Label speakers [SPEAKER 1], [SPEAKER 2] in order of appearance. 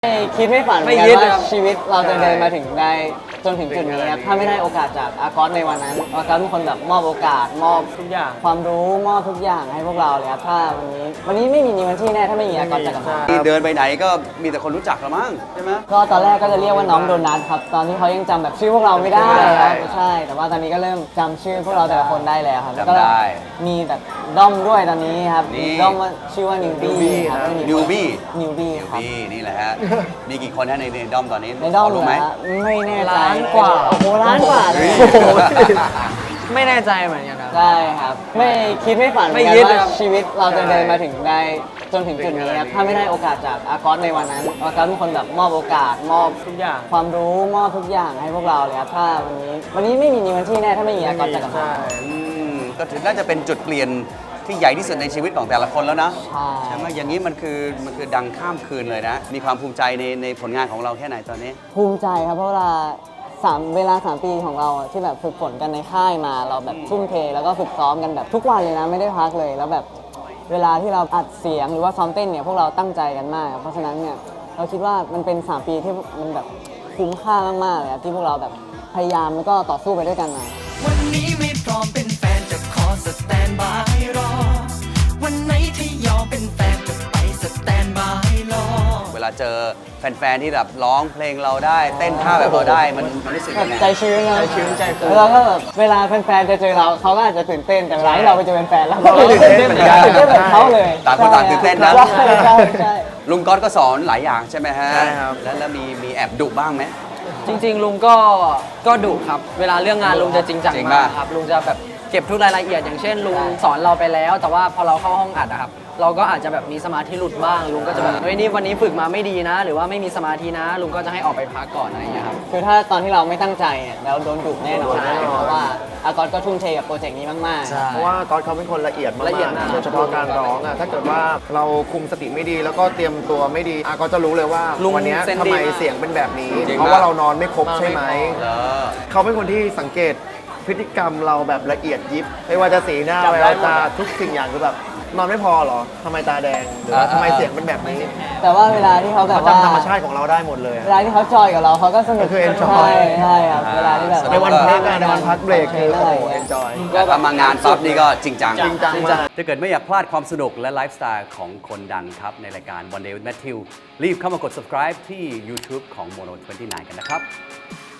[SPEAKER 1] ไม่คิดไม่ฝันเหมือนกันว่าชีวิตเราจะเดินมาถึงได้จนถึงจุดนี้ครับถ้าไม่ได้โอกาสจากอากอสในวันนั้นอากอสเป็นคนแบบมอบโอกาสมอบทุกอย่างความรู้มอบทุกอย่างให้พวกเราเลยครับถ้าวันนี้ไม่มีนิวันที่แน่ถ้าไม่มีอากอสจักรพันธ์
[SPEAKER 2] เดินไปไหนก็มีแต่คนรู้จักละมั้งใช่ไหม
[SPEAKER 1] ก็ตอนแรกก็จะเรียกว่าน้องโดนัทครับตอนที่เขายังจำแบบชื่อพวกเราไม่ได้ครับใช่แต่ว่าตอนนี้ก็เริ่มจำชื่อพวกเราแต่ละคนได้แล้วครับแล้วก็มีแบบด้อมด้วยตอนนี้ครับด้อมว่าชื่อว่านิวบี้ครับ
[SPEAKER 2] นิวบี้
[SPEAKER 1] ครับ
[SPEAKER 2] นี่แหละฮะมีกี่คนฮะในด้อมตอนนี้
[SPEAKER 1] ในด้อม
[SPEAKER 2] รู้ไหม
[SPEAKER 1] ไม่แน่ใจ
[SPEAKER 3] ล้านกว่า
[SPEAKER 1] โอ้โหล้านกว่าเลย
[SPEAKER 3] ไม่แน่ใจเหมือนกันครับ
[SPEAKER 1] ใช่ครับไม่คิดไม่ฝันเหมือนกัน
[SPEAKER 3] ไม่คิด
[SPEAKER 1] ว่า
[SPEAKER 3] ครับ
[SPEAKER 1] ชีวิตเราจะเดินมาถึงได้จนถึงจุดนี้ครับถ้าไม่ได้โอกาสจากอากอสในวันนั้นอากอสเป็นคนแบบมอบโอกาสมอบ
[SPEAKER 3] ทุกอย่าง
[SPEAKER 1] ความรู้มอบทุกอย่างให้พวกเราเลยครับถ้าวันนี้ไม่มีนิวันที่แน่ถ้าไม่มีอากอสจักรพันธ์
[SPEAKER 2] ก็ถือน่าจะเป็นจุดเปลี่ยนที่ใหญ่ที่สุดในชีวิตของแต่ละคนแล้วนะ
[SPEAKER 1] ใช่
[SPEAKER 2] ไหมอย่างนี้มันคือดังข้ามคืนเลยนะมีความภูมิใจในผลงานของเราแค่ไหนตอนนี้
[SPEAKER 1] ภูมิใจครับเพราะเวลา3 ปีของเราอะที่แบบฝึกฝนกันในค่ายมาเราแบบทุ่มเทแล้วก็ฝึกซ้อมกันแบบทุกวันเลยนะไม่ได้พักเลยแล้วแบบเวลาที่เราอัดเสียงหรือว่าซ้อมเต้นเนี่ยพวกเราตั้งใจกันมากเพราะฉะนั้นเนี่ยเราคิดว่ามันเป็น3 ปีที่มันแบบคุ้มค่ามากๆเลยครับที่พวกเราแบบพยายามแล้วก็ต่อสู้ไปด้วยกันมา
[SPEAKER 4] วันนี้ไม่พร้อมเป็นแฟนจะขอสแตนบายรอวันไหนที่ยอมเป็นแฟนจะไปสแตนบายรอ
[SPEAKER 2] เวลาเจอแฟนๆที่แบบร้องเพลงเราได้เต้นท่าแบบเราได้มันรู้สึก
[SPEAKER 1] แบ
[SPEAKER 2] ยั
[SPEAKER 1] บ
[SPEAKER 2] งไง
[SPEAKER 1] ใจชื้นนะ
[SPEAKER 3] ใจชื้นใจฟู
[SPEAKER 1] แล้วก็แบบเวลาแฟนๆจะเจอเราเขาก็อาจจะตื่นเต้นแต่เวลาที่เราไปเจอแฟนๆเราก็
[SPEAKER 3] เราก็ตื่นเต้นเหมือนกัน
[SPEAKER 1] ตื่นเต้นเหมือนเขาเลย
[SPEAKER 2] ต่างคนต่างตื่นเต้นนะ
[SPEAKER 1] ใช่
[SPEAKER 2] ลุงก๊อตก็สอนหลายอย่างใช่ไหมฮะ
[SPEAKER 3] ใช่ครับ
[SPEAKER 2] แล้วมีแอบดุบ้างไหม
[SPEAKER 3] จริงๆลุงก็ดุครับ เวลาเรื่องงานลุงจะจริงจัง
[SPEAKER 2] จริง
[SPEAKER 3] มาก
[SPEAKER 2] ป่ะ
[SPEAKER 3] ครับลุงจะแบบเก็บทุกรายละเอียดอย่างเช่นลุงสอนเราไปแล้ว แต่ว่าพอเราเข้าห้องอัดอะครับเราก็อาจจะแบบมีสมาธิหลุดบ้างลุงก็จะแบบเฮ้ยนี่วันนี้ฝึกมาไม่ดีนะ หรือว่าไม่มีสมาธินะลุงก็จะให้ออกไปพักก่อนอะไรอย่างเงี้ยครับ
[SPEAKER 1] คือถ้าตอนที่เราไม่ตั้งใจเนี่ยเราโดนดุแน่นอน
[SPEAKER 3] ใช่
[SPEAKER 1] เพราะว่าอากอสก็ทุ่มเทกับโปรเจกต์นี้มาก
[SPEAKER 3] ใช่
[SPEAKER 5] เพราะว่าก๊อตเขาเป็นคนละเอียดมาก
[SPEAKER 3] ละเอียดมาก
[SPEAKER 5] โดยเฉพาะการร้องอ่ะถ้าเกิดว่าเราคุมสติไม่ดีแล้วก็เตรียมตัวไม่ดีก็จะรู้เลยว่า
[SPEAKER 3] ลุง
[SPEAKER 5] วันเนี้ย
[SPEAKER 3] เซนส์
[SPEAKER 5] ทำ
[SPEAKER 3] ดี
[SPEAKER 5] ไม
[SPEAKER 3] มาก
[SPEAKER 5] เสียงเป็นแบบนี้
[SPEAKER 2] จริง
[SPEAKER 5] เพราะ
[SPEAKER 2] ปะ
[SPEAKER 5] ว่าเรานอนไม่ครบใช่ไหม
[SPEAKER 2] เหรอ
[SPEAKER 5] เขาเป็นคนที่สังเกตพฤติกรรมเราแบบละเอียดยิบไม่ว่าจะสีหน้า
[SPEAKER 3] จำ
[SPEAKER 5] แว
[SPEAKER 3] ได้
[SPEAKER 5] ว
[SPEAKER 3] หมด
[SPEAKER 5] ตา
[SPEAKER 3] อะ
[SPEAKER 5] ทุกสิ่งอย่างคือแบบนอนไม่พอเหรอทำไมตาแดงหรือว่าทำไมเสียงเป็นแบบนี้
[SPEAKER 1] ๆ แต่ว่าเวลาที่เขาแบบ
[SPEAKER 5] เขา
[SPEAKER 1] ว่า
[SPEAKER 5] จำธรรมชาติของเราได้หมดเลยอะ
[SPEAKER 1] เวลาที่เขาจอยกับเราเขาก็สนุก
[SPEAKER 5] ก็คือ enjoy
[SPEAKER 1] ใช่ครับเวลาที่แบบ
[SPEAKER 5] ในวันพักอะในวันพักเบรกคือโอ้โหเอนจอย
[SPEAKER 2] แต่ถ้ามางานปั๊บนี่ก็จริงจัง
[SPEAKER 5] จริงจังมาก
[SPEAKER 2] ถ้าเกิดไม่อยากพลาดความสนุกและไลฟ์สไตล์ของคนดังครับ ในรายการ One Day with Matthew รีบเข้ามากด subscribe ที่ YouTube ของ Mono 29 กันนะครับ